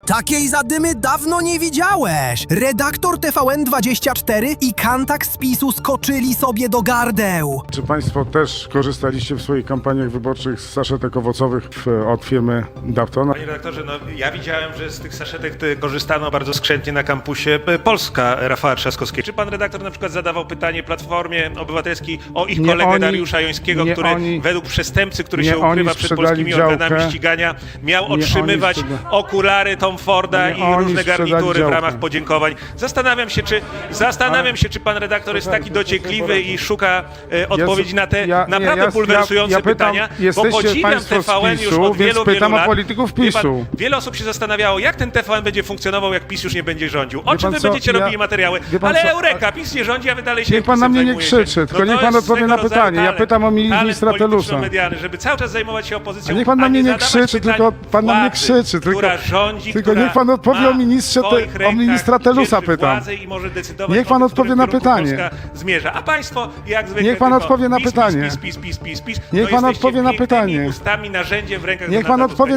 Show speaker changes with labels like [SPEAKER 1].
[SPEAKER 1] Takiej zadymy dawno nie widziałeś! Redaktor TVN24 i Kantak z PiS-u skoczyli sobie do gardeł.
[SPEAKER 2] Czy Państwo też korzystaliście w swoich kampaniach wyborczych z saszetek owocowych od firmy Dapton?
[SPEAKER 3] Panie redaktorze, no ja widziałem, że z tych saszetek korzystano bardzo skrzętnie na kampusie Polska Rafała Trzaskowskiego. Czy pan redaktor na przykład zadawał pytanie Platformie Obywatelskiej o ich kolegę Dariusza Jońskiego, który według przestępcy, który się ukrywa przed polskimi organami ścigania, miał otrzymywać okulary Tom Forda i różne garnitury w ramach podziękowań? Zastanawiam się, czy pan redaktor jest taki dociekliwy i szuka odpowiedzi na te naprawdę bulwersujące pytania, bo podziwiam TVN już od wielu lat.
[SPEAKER 2] Polityków PiS-u.
[SPEAKER 3] Wiele osób się zastanawiało, jak ten TVN będzie funkcjonował, jak PiS już nie będzie rządził. O czym wy będziecie robili materiały? Ale eureka, PiS nie rządzi, a wy dalej się
[SPEAKER 2] niech pan na mnie nie krzyczy, tylko niech pan odpowie na pytanie. Ja pytam o ministra Telusa.
[SPEAKER 3] Medialny, żeby cały czas zajmować się opozycją.
[SPEAKER 2] Niech pan na mnie nie krzyczy, tylko pan na mnie krzyczy. Tylko niech pan odpowie o ministra Telusa, pytam. Niech pan odpowie na pytanie.
[SPEAKER 3] Zmierza. A państwo, jak zwykle,
[SPEAKER 2] niech pan odpowie na pytanie.
[SPEAKER 3] PiS.
[SPEAKER 2] Niech pan odpowie na pytanie.
[SPEAKER 3] Ustami, narzędziem w rękach
[SPEAKER 2] Niech pan odpowie